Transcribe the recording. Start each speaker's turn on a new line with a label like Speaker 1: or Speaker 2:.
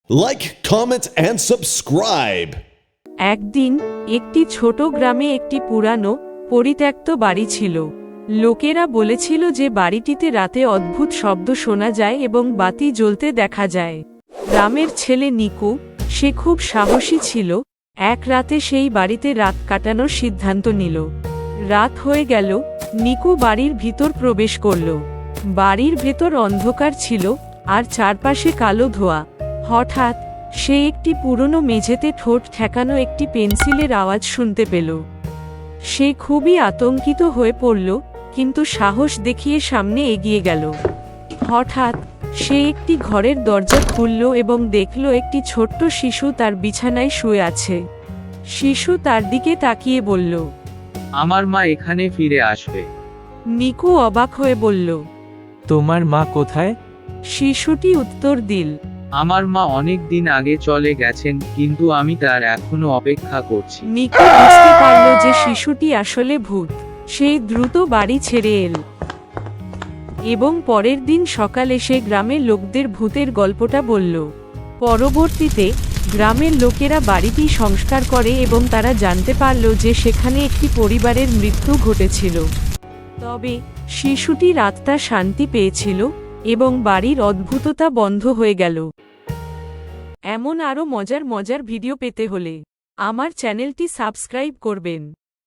Speaker 1: Like, comment, and subscribe.
Speaker 2: একদিন একটি ছোট গ্রামে একটি পুরানো পরিত্যক্ত বাড়ি ছিল। লোকেরা বলেছিল যে বাড়িটিতে রাতে অদ্ভুত শব্দ শোনা যায় এবং বাতি জ্বলতে দেখা যায়। গ্রামের ছেলে নিকু, সে খুব সাহসী ছিল, এক রাতে সেই বাড়িতে রাত কাটানোর সিদ্ধান্ত নিল। রাত হয়ে গেল, নিকু বাড়ির ভিতর প্রবেশ করল। বাড়ির ভেতর অন্ধকার ছিল আর চারপাশে কালো ধোঁয়া। হঠাৎ সে একটি পুরনো মেঝেতে ঠোঁট ঠেকানো একটি পেন্সিলের আওয়াজ শুনতে পেল। সে খুবই আতঙ্কিত হয়ে পড়ল, কিন্তু সাহস দেখিয়ে সামনে এগিয়ে গেল। হঠাৎ সে একটি ঘরের দরজা খুলল এবং দেখল একটি ছোট্ট শিশু তার বিছানায় শুয়ে আছে। শিশু তার দিকে তাকিয়ে বলল,
Speaker 3: আমার মা এখানে ফিরে আসবে।
Speaker 2: নিকু অবাক হয়ে বলল,
Speaker 4: তোমার মা কোথায়?
Speaker 2: শিশুটি উত্তর দিল,
Speaker 3: আমার মা অনেক দিন আগে চলে গেছেন, কিন্তু আমি তার এখনো অপেক্ষা করছি।
Speaker 2: নিকু বুঝতে পারল যে শিশুটি আসলে ভূত। সে দ্রুত বাড়ি ছেড়ে এল এবং পরের দিন সকালে সে গ্রামের লোকদের ভূতের গল্পটা বলল। পরবর্তীতে গ্রামের লোকেরা বাড়িটি সংস্কার করে এবং তারা জানতে পারল যে সেখানে একটি পরিবারের মৃত্যু ঘটেছিল। তবে শিশুটির আত্মা শান্তি পেয়েছিল এবং বাড়ির অদ্ভুততা বন্ধ হয়ে গেল। এমন আরও মজার ভিডিও পেতে হলে আমার চ্যানেলটি সাবস্ক্রাইব করবেন।